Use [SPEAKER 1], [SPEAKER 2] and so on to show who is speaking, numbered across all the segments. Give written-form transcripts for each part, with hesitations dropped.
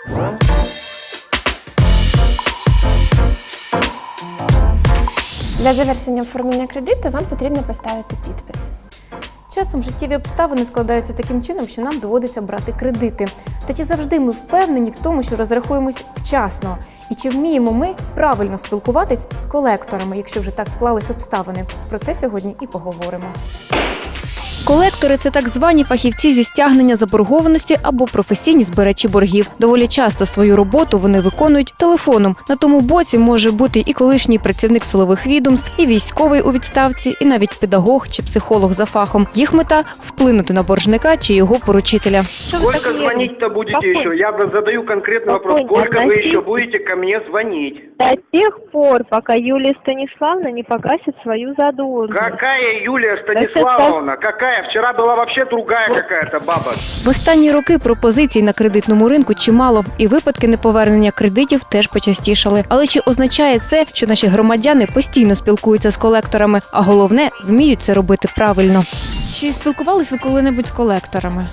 [SPEAKER 1] Для завершення оформлення кредиту вам потрібно поставити підпис. Часом життєві обставини складаються таким чином, що нам доводиться брати кредити. Та чи завжди ми впевнені в тому, що розрахуємось вчасно? І чи вміємо ми правильно спілкуватись з колекторами, якщо вже так склались обставини? Про це сьогодні і поговоримо. Колектори – це так звані фахівці зі стягнення заборгованості або професійні збирачі боргів. Доволі часто свою роботу вони виконують телефоном. На тому боці може бути і колишній працівник силових відомств, і військовий у відставці, і навіть педагог чи психолог за фахом. Їх мета – вплинути на боржника чи його поручителя.
[SPEAKER 2] Сколько звонить-то будете еще? Я задаю конкретный вопрос. Сколько вы еще будете ко мне звонить?
[SPEAKER 3] До тех пор, пока Юлия Станиславовна не погасит свою задолженность.
[SPEAKER 2] Какая Юлия Станиславовна? Какая? Вчера была вообще другая какая-то баба.
[SPEAKER 1] В останні роки пропозицій на кредитному ринку чимало, і випадки неповернення кредитів теж почастішали. Але чи означає це, що наші громадяни постійно спілкуються з колекторами, а головне – вміють це робити правильно? Чи спілкувались ви коли-небудь з колекторами?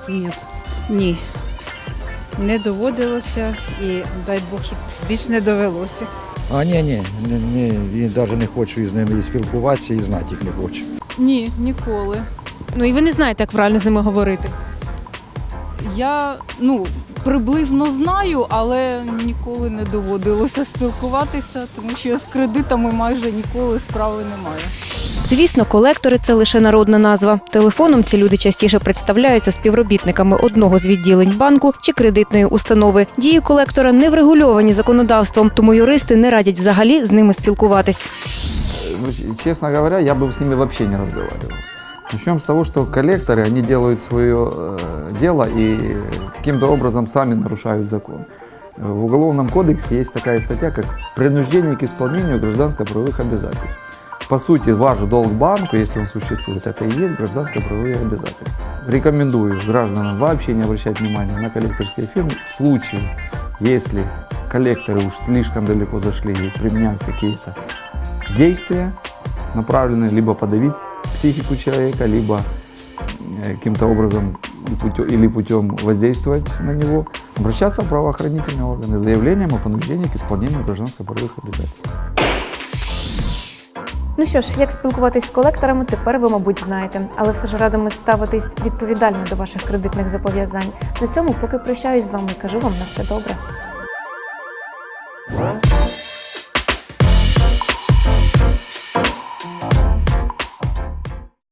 [SPEAKER 4] Ні. Не доводилося і дай Бог, щоб більш не довелося.
[SPEAKER 5] Ні, навіть не хочу з ними і спілкуватися, і знати їх не хочу.
[SPEAKER 6] Ні, ніколи.
[SPEAKER 1] Ну і ви не знаєте, як правильно з ними говорити?
[SPEAKER 6] Я, приблизно знаю, але ніколи не доводилося спілкуватися, тому що з кредитами майже ніколи справи немає.
[SPEAKER 1] Звісно, колектори – це лише народна назва. Телефоном ці люди частіше представляються співробітниками одного з відділень банку чи кредитної установи. Дії колектора не врегульовані законодавством, тому юристи не радять взагалі з ними спілкуватись.
[SPEAKER 7] Честно говоря, я бы с ними вообще не разговаривал. Начнем с того, что коллекторы, они делают свое дело и каким-то образом сами нарушают закон. В Уголовном кодексе есть такая статья, как «Принуждение к исполнению гражданско-правовых обязательств». По сути, ваш долг банку, если он существует, это и есть гражданско-правовые обязательства. Рекомендую гражданам вообще не обращать внимания на коллекторские фирмы в случае, если коллекторы уж слишком далеко зашли и применяют какие-то действия, направленные либо подавить психику человека, либо каким-то образом или путем воздействовать на него, обращаться в правоохранительные органы с заявлением о понуждении к исполнению гражданско-правовых обязательств.
[SPEAKER 1] Ну що ж, як спілкуватись з колекторами, тепер ви, мабуть, знаєте. Але все ж радимо ставитись відповідально до ваших кредитних зобов'язань. На цьому поки прощаюсь з вами і кажу вам на все добре.